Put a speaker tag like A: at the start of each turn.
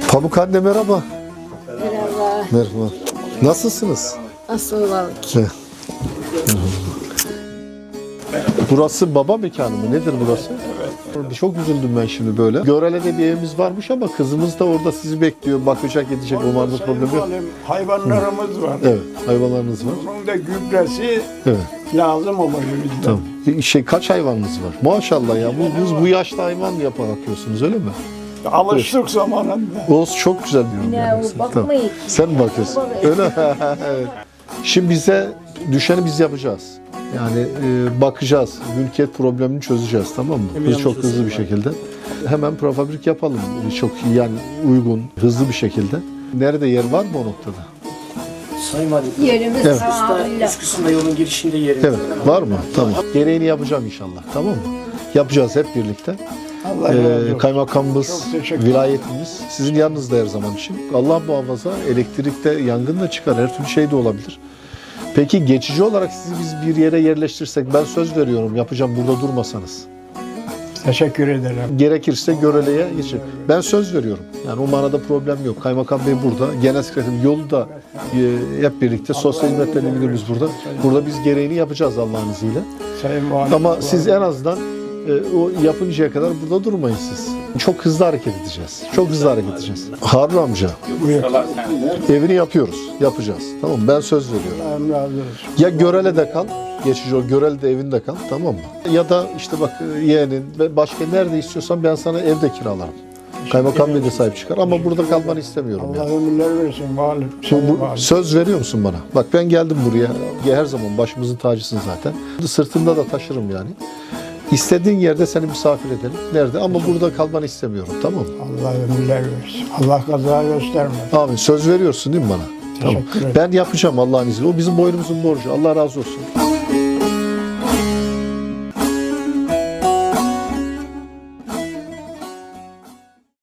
A: Pamuk anne merhaba.
B: Merhaba.
A: Merhaba. Nasılsınız?
B: Nasıl olalım ki?
A: Burası baba mekanı mı? Nedir burası? Evet. Çok üzüldüm ben şimdi böyle. Görele'de bir evimiz varmış ama kızımız da orada sizi bekliyor. Bakacak, edecek. Umarım problem yok.
C: Hayvanlarımız var.
A: Evet, hayvanlarınız var.
C: Bunun da gübresi
A: Evet.
C: lazım oluyor bizden.
A: Tamam. Kaç hayvanınız var? Maşallah ya. Bu yaşta hayvan bakıyorsunuz öyle mi?
C: Alıştık zamanında.
A: Olsun, çok güzel diyorum.
B: Ne
A: yani.
B: o bakmayın.
A: Sen mi bakıyorsun? Öyle mi? Evet. Şimdi bize düşeni biz yapacağız. Yani bakacağız. Mülkiyet problemini çözeceğiz, tamam mı? Biz çok hızlı bir şekilde. Hemen prefabrik yapalım. Çok yani uygun, hızlı bir şekilde. Nerede yer var mı o noktada?
D: Sayın Valim,
B: Yerimiz
A: Evet.
D: üst kısımda yolun girişinde yerimiz
A: Evet. Var mı? Tamam. Gereğini yapacağım inşallah. Tamam mı? Yapacağız hep birlikte.
C: Allah razı olsun.
A: Kaymakamımız,
C: Çok teşekkür ederim.
A: vilayetimiz sizin yanınızda her zaman için. Allah muhafaza elektrikte yangın da çıkar, her türlü şey de olabilir. Peki geçici olarak sizi biz bir yere yerleştirsek, ben söz veriyorum yapacağım burada durmasanız.
C: Teşekkür ederim.
A: Gerekirse Görele'ye geçin. Ben söz veriyorum. Yani o manada problem yok. Kaymakam Bey burada, genel sekreter yolu da hep birlikte sosyal hizmetler müdürümüz burada. Burada biz gereğini yapacağız Allah'ın izniyle.
C: Sayın Valim.
A: Ama siz en azından o yapıncaya kadar burada durmayın siz. Çok hızlı hareket edeceğiz. Çok hızlı hareket edeceğiz. Harun amca, evini yapıyoruz. Yapacağız. Tamam mı? Ben söz veriyorum.
C: Allah razı olsun.
A: Ya Görele'de kal, geçici o Görele'de evinde kal, tamam mı? Ya da işte bak yeğenin ve başka nerede istiyorsan ben sana evde kiralarım. Kaymakam Bey de sahip çıkar ama burada kalmanı istemiyorum
C: Allah
A: yani.
C: ömürler versin Valim. Sayın Valim.
A: Söz veriyor musun bana? Bak ben geldim buraya. Her zaman başımızın tacısın zaten. Sırtımda da taşırım yani. İstediğin yerde seni misafir edelim. Nerede? Ama burada kalmanı istemiyorum. Tamam mı?
C: Allah ömürler versin. Allah kaza göstermesin.
A: Abi söz veriyorsun değil mi bana? Tamam.
C: Teşekkür ederim.
A: Ben yapacağım Allah'ın izniyle. O bizim boynumuzun borcu. Allah razı olsun.